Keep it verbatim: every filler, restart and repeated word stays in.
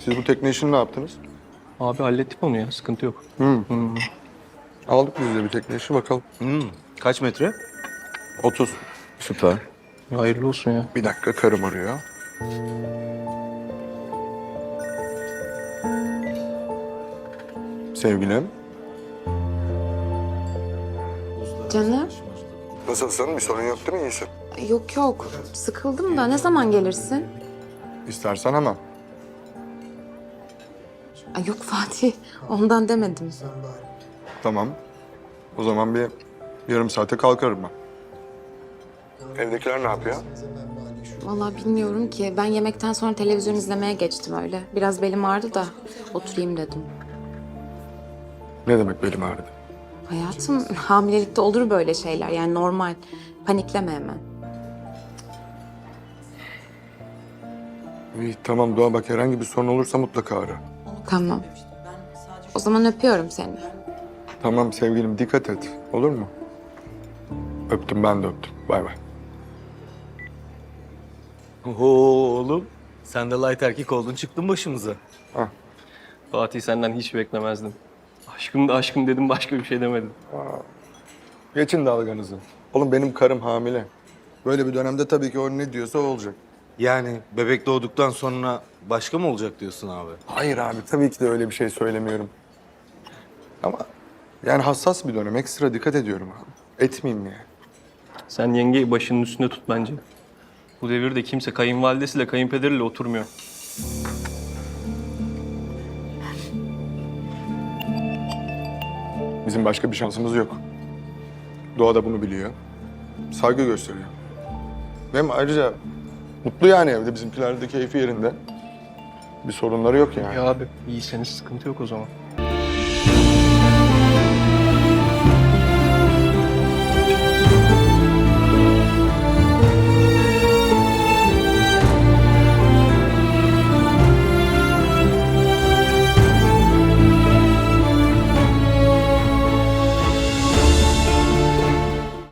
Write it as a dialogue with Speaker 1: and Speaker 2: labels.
Speaker 1: Siz bu tekne işini ne yaptınız?
Speaker 2: Abi hallettik onu ya. Sıkıntı yok.
Speaker 1: Hı.
Speaker 2: Hmm.
Speaker 1: Aldık biz de bir tekne işi bakalım.
Speaker 3: Hmm, kaç metre?
Speaker 1: otuz.
Speaker 3: Süper.
Speaker 2: Hayırlı olsun ya.
Speaker 1: Bir dakika karım arıyor. Sevgilim.
Speaker 4: Canım?
Speaker 1: Nasılsın? Bir sorun yok değil mi? İyisin.
Speaker 4: Yok yok. Sıkıldım da ne zaman gelirsin?
Speaker 1: İstersen ama.
Speaker 4: Ay yok Fatih. Ondan demedim.
Speaker 1: Tamam. O zaman bir yarım saate kalkarım ben. Evdekiler ne yapıyor?
Speaker 4: Vallahi bilmiyorum ki. Ben yemekten sonra televizyon izlemeye geçtim öyle. Biraz belim ağrıdı da oturayım dedim.
Speaker 1: Ne demek belim ağrıdı?
Speaker 4: Hayatım hamilelikte olur böyle şeyler. Yani normal. Panikleme hemen.
Speaker 1: İyi tamam Doğa, bak herhangi bir sorun olursa mutlaka ara.
Speaker 4: Tamam. O zaman öpüyorum seni.
Speaker 1: Tamam sevgilim, dikkat et. Olur mu? Öptüm, ben de öptüm. Bay bay.
Speaker 3: Oho oğlum. Sen de light erkek oldun çıktın başımıza.
Speaker 1: Hah.
Speaker 2: Fatih senden hiç beklemezdim. Aşkım da aşkım dedim, başka bir şey demedim.
Speaker 1: Geçin dalganızı. Oğlum benim karım hamile. Böyle bir dönemde tabii ki o ne diyorsa o olacak.
Speaker 3: Yani bebek doğduktan sonra başka mı olacak diyorsun abi?
Speaker 1: Hayır abi, tabii ki de öyle bir şey söylemiyorum. Ama yani hassas bir dönem, ekstra dikkat ediyorum abi. Etmeyeyim yani.
Speaker 2: Sen yengeyi başının üstünde tut bence. Bu devirde kimse kayınvalidesiyle kayınpederiyle oturmuyor.
Speaker 1: Bizim başka bir şansımız yok. Doğa da bunu biliyor. Saygı gösteriyor. Hem ayrıca mutlu yani evde, bizimkiler de keyfi yerinde. Bir sorunları yok yani.
Speaker 2: Ya abi iyiyseniz sıkıntı yok o zaman.